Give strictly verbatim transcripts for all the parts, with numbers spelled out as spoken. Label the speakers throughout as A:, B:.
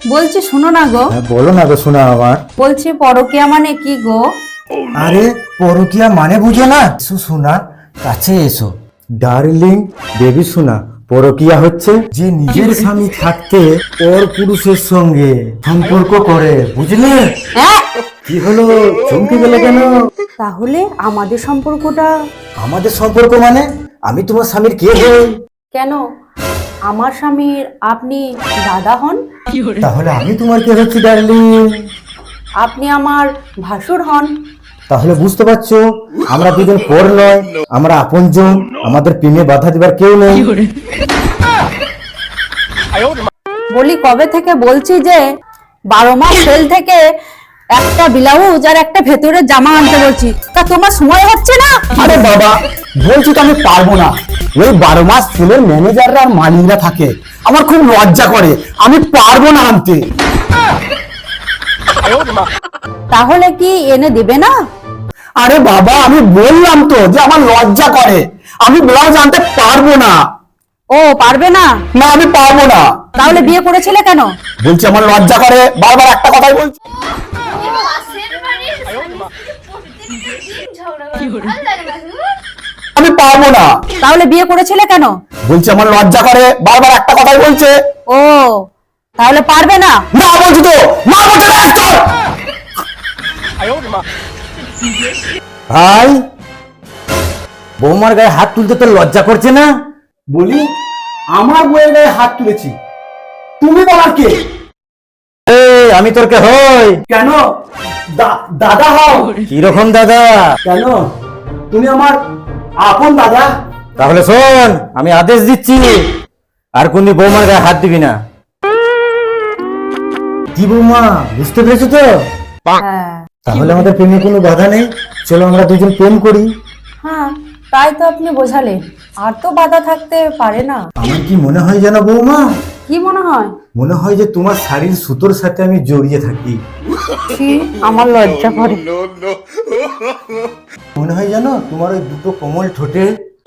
A: বলছি শোনো না গো।
B: হ্যাঁ বলো না গো শোনা আমার।
A: বলছি পরকীয়া মানে কি গো?
B: আরে পরকীয়া মানে বুঝো না? এসো শোনা, কাছে এসো। ডার্লিং বেবি শোনা, পরকীয়া হচ্ছে যে নিজের স্বামী থাকতে পর পুরুষের সঙ্গে সম্পর্ক করে, বুঝলে?
A: হ্যাঁ,
B: কি হলো, চমকে গেলে কেন?
A: তাহলে আমাদের সম্পর্কটা?
B: আমাদের সম্পর্ক মানে আমি তোমার স্বামীর কে হই?
A: কেন, আমার স্বামীর আপনি দাদা হন?
B: তাহলে আমি তোমার কে হচ্ছি ডার্লিং?
A: আপনি আমার ভাসুর হন।
B: তাহলে বুঝতে পারছো আমরা দুজন পর নয়, আমরা আপনজন। আমাদের প্রেমে বাধা দিবার কেউ নেই।
A: বলি কবে থেকে বলছি যে বারো মাস সেল থেকে একটা ব্লাউজ আর একটা ভেতরের জামা আনতে বলছি, তা তোমার সময় হচ্ছে না?
C: আরে বাবা, বলছি তো আমি পারবো না। ওই বারো মাস সেলের ম্যানেজাররা আর মালিকরা থাকে, আমার খুব লজ্জা করে, আমি পারবো না আনতে।
A: তাহলে কি এনে দেবে না?
C: আরে বাবা, আমি বললাম তো যে আমার লজ্জা করে, আমি ব্লাউজ আনতে পারবো না।
A: ও পারবে না?
C: না, আমি পারবো না।
A: তাহলে বিয়ে করেছিলে কেন?
C: বলছি আমার লজ্জা করে, বারবার একটা কথাই বলছি। আমি পারবো না।
A: তাহলে বিয়ে করেছিলে কেন?
C: বলছি আমার লজ্জা করে, বারবার একটা কথাই বলছে।
A: ও তাহলে পারবে না?
C: না বলছি তো, না বলছি না, চল।
B: ভাই, বৌমার গায়ে হাত তুলতে তোর লজ্জা করছে না?
C: বলি আমার বইয়ের গায়ে হাত তুলেছি, তুমি বলার কে?
B: এই আমি তোর কে হই?
C: কেন দা- দাদা হও?
B: কিরকম দাদা?
C: কেন তুমি আমার আপন দাদা?
B: তাহলে শোন, আমি আদেশ দিচ্ছি, আর কোনদিন বৌমার গায়ে হাত দিবি না। কি বৌমা, বুঝতে পেরেছো তো?
A: হ্যাঁ
B: তাহলে আমাদের প্রেমে কোনো বাধা নেই, চলো আমরা দুজন প্রেম করি।
A: হ্যাঁ, তাই তো আপনি বোঝালেন, আর তো বাধা থাকতে পারে না।
B: আমার কি মনে হয় জানো বৌমা?
A: কি মনে হয়?
B: মনে হয় যে তোমার শাড়ির সুতোর সাথে আমি জড়িয়ে থাকি।
A: ছি, আমার লজ্জা করে।
B: মনে হয় জানো তোমার ওই দুটো কোমল ঠোঁটে,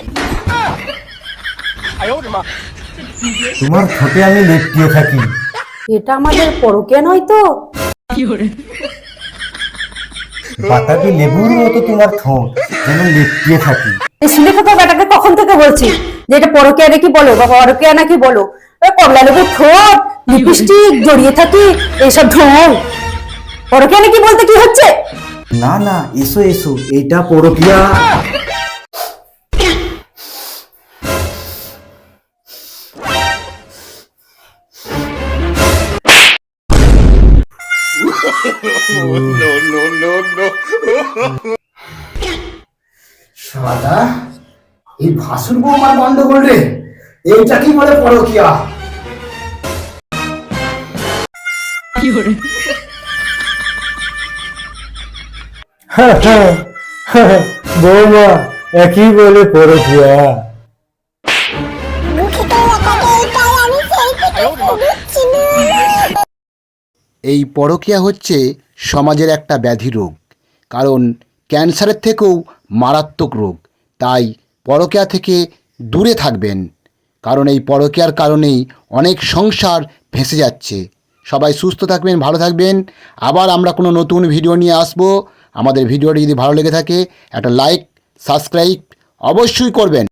B: তোমার ঠোঁটে আমি লেপটিয়ে থাকি।
A: এটা আমাদের পরকীয়া নয় তো?
B: বাতাবি লেবুর মতো তোমার ঠোঁট, যেন লেপটিয়ে থাকি।
A: এই সিলেক্ট ব্যাটাকে কখন থেকে বলছি যে এটা পরকীয়া নাকি বলো বা পরকীয়া নাকি বলো? ওই কমলা লেবুর ঠোঁট, লিপস্টিক, জড়িয়ে থাকি, এইসব ঢং। পরকীয়া নাকি বলতে কি হচ্ছে?
B: না না, এসো এসো, এইটা পরকীয়া।
C: শালা, এই ভাসুর বৌমার গন্ডগোল রে, এইটা কি বলে পরকীয়া?
B: হ্যাঁ, হ্যাঁ, হ্যাঁ, বৌমা একই বলে পরকীয়া।
D: এই পরকীয়া হচ্ছে সমাজের একটা ব্যাধি রোগ, কারণ ক্যান্সারের থেকেও মারাত্মক রোগ। তাই পরকীয়া থেকে দূরে থাকবেন, কারণ এই পরকীয়ার কারণেই অনেক সংসার ভেসে যাচ্ছে। সবাই সুস্থ থাকবেন, ভালো থাকবেন। আবার আমরা কোনো নতুন ভিডিও নিয়ে আসবো। আমাদের ভিডিওটি যদি ভালো লেগে থাকে একটা লাইক সাবস্ক্রাইব অবশ্যই করবেন।